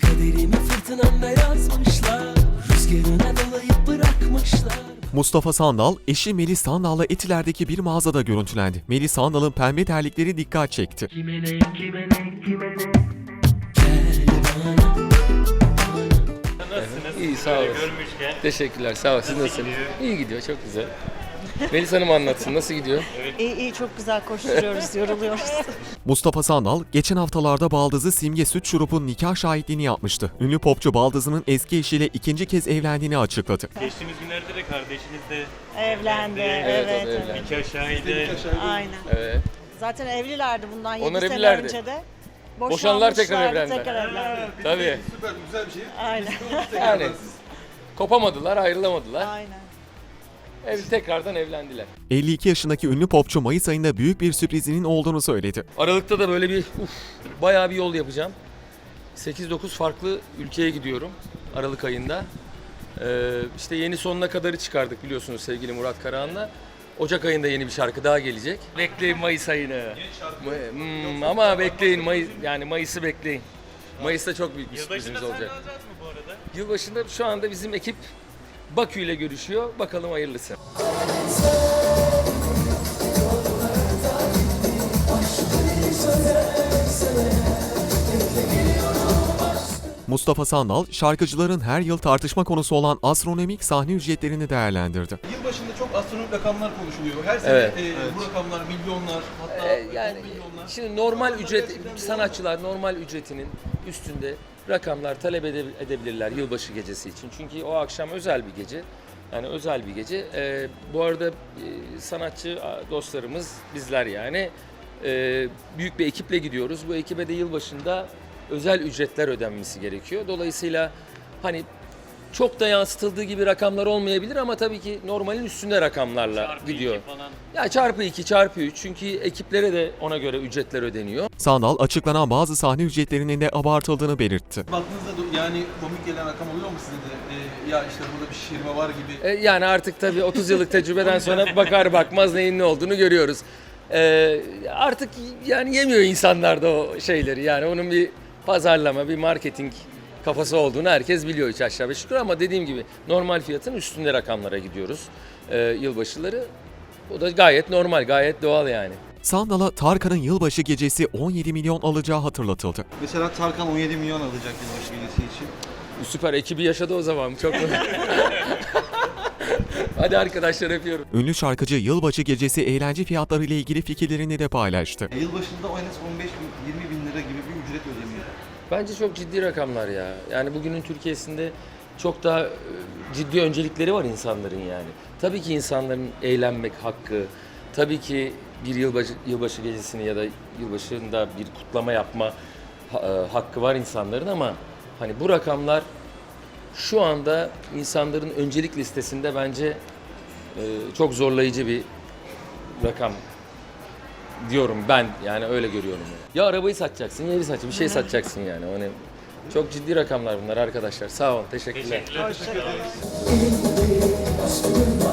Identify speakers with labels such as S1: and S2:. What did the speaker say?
S1: kaderimi fırtınamda yazmışlar, rüzgarına dolayıp bırakmışlar.
S2: Mustafa Sandal, eşi Melis Sandal'la Etiler'deki bir mağazada görüntülendi. Melis Sandal'ın pembe terlikleri dikkat çekti.
S1: Kime ne, kime ne, kime ne? Gel bana.
S3: Nasılsınız?
S4: İyi, sağ
S3: Böyle
S4: olasın.
S3: görmüşken.
S4: Teşekkürler, sağ ol. Siz
S3: Nasıl
S4: nasılsınız?
S3: gidiyor?
S4: İyi gidiyor, çok güzel. Melis Hanım anlatsın, nasıl gidiyor?
S5: İyi iyi çok güzel koşturuyoruz, yoruluyoruz.
S2: Mustafa Sandal, geçen haftalarda baldızı Simge Süt Şurup'un nikah şahitliğini yapmıştı. Ünlü popçu baldızının eski eşiyle ikinci kez evlendiğini açıkladı.
S3: Geçtiğimiz günlerde de kardeşiniz de
S5: Evlendi,
S4: Evet,
S5: evet,
S4: o da
S5: evet.
S4: evlendi.
S3: nikah şahidi.
S5: Aynen.
S4: Evet.
S5: Zaten evlilerdi bundan 7
S4: Onlar
S5: sene
S4: evlilerdi.
S5: önce de.
S4: Boşandılar, tekrar
S5: Boşanmışlardı,
S4: evlendiler.
S5: Tekrar evlendiler.
S4: Tabii.
S6: Süper, güzel bir şey.
S5: Aynen,
S4: Yani kopamadılar, ayrılamadılar.
S5: aynen.
S4: Tekrardan evlendiler.
S2: 52 yaşındaki ünlü popçu Mayıs ayında büyük bir sürprizinin olduğunu söyledi.
S4: Aralıkta da böyle bir bayağı bir yol yapacağım. 8-9 farklı ülkeye gidiyorum Aralık ayında. İşte yeni sonuna kadarı çıkardık biliyorsunuz sevgili Murat Karahan'la. Ocak ayında yeni bir şarkı daha gelecek. Bekleyin Mayıs ayını. Ama bekleyin Mayıs'ı bekleyin. Mayıs'ta çok büyük bir
S3: Yılbaşında
S4: sürprizimiz
S3: sahne
S4: olacak.
S3: alacağız mı bu arada?
S4: Yılbaşında şu anda bizim ekip Bakü ile görüşüyor. Bakalım hayırlısı.
S2: Mustafa Sandal, şarkıcıların her yıl tartışma konusu olan astronomik sahne ücretlerini değerlendirdi.
S6: Yılbaşında çok astronomik rakamlar konuşuluyor. Her sene
S4: Evet.
S6: bu rakamlar milyonlar, hatta
S4: Yani
S6: 10 milyonlar.
S4: şimdi normal ücret, sanatçılar normal ücretinin üstünde rakamlar talep edebilirler yılbaşı gecesi için. Çünkü o akşam özel bir gece. Yani özel bir gece. Bu arada sanatçı dostlarımız, bizler yani büyük bir ekiple gidiyoruz. Bu ekibe de yılbaşında özel ücretler ödenmesi gerekiyor. Dolayısıyla hani çok da yansıtıldığı gibi rakamlar olmayabilir ama tabii ki normalin üstünde rakamlarla
S3: Çarpı
S4: gidiyor.
S3: iki falan.
S4: Ya çarpı 2, çarpı 3 çünkü ekiplere de ona göre ücretler ödeniyor.
S2: Sandal, açıklanan bazı sahne ücretlerinin de abartıldığını belirtti.
S6: Baktığınızda yani komik gelen rakam oluyor mu size de? Ya işte burada bir şişirme var gibi.
S4: Yani artık tabii 30 yıllık tecrübeden sonra bakar bakmaz neyin ne olduğunu görüyoruz. Artık yani yemiyor insanlar da o şeyleri. Yani onun bir pazarlama, bir marketing kafası olduğunu herkes biliyor hiç aşağı beş yukarı ama dediğim gibi normal fiyatın üstünde rakamlara gidiyoruz yılbaşıları. O da gayet normal, gayet doğal yani.
S2: Sandal'a Tarkan'ın yılbaşı gecesi 17 milyon alacağı hatırlatıldı.
S7: Mesela Tarkan 17 milyon alacak yılbaşı gecesi için.
S4: Süper, ekibi yaşadı o zaman. Çok Hadi arkadaşlar öpüyorum.
S2: Ünlü şarkıcı yılbaşı gecesi eğlence fiyatları ile ilgili fikirlerini de paylaştı.
S7: Yılbaşında en az 15 bin, 20 bin lira gibi bir ücret ödeniyor.
S4: Bence çok ciddi rakamlar ya. Yani bugünün Türkiye'sinde çok daha ciddi öncelikleri var insanların yani. Tabii ki insanların eğlenmek hakkı, tabii ki bir yılbaşı gecesini ya da yılbaşında bir kutlama yapma hakkı var insanların ama hani bu rakamlar şu anda insanların öncelik listesinde bence çok zorlayıcı bir rakam diyorum ben yani öyle görüyorum. Ya arabayı satacaksın ya evi satacaksın bir şey satacaksın yani. Hani çok ciddi rakamlar bunlar arkadaşlar. Sağ olun. Teşekkürler.
S3: Teşekkürler.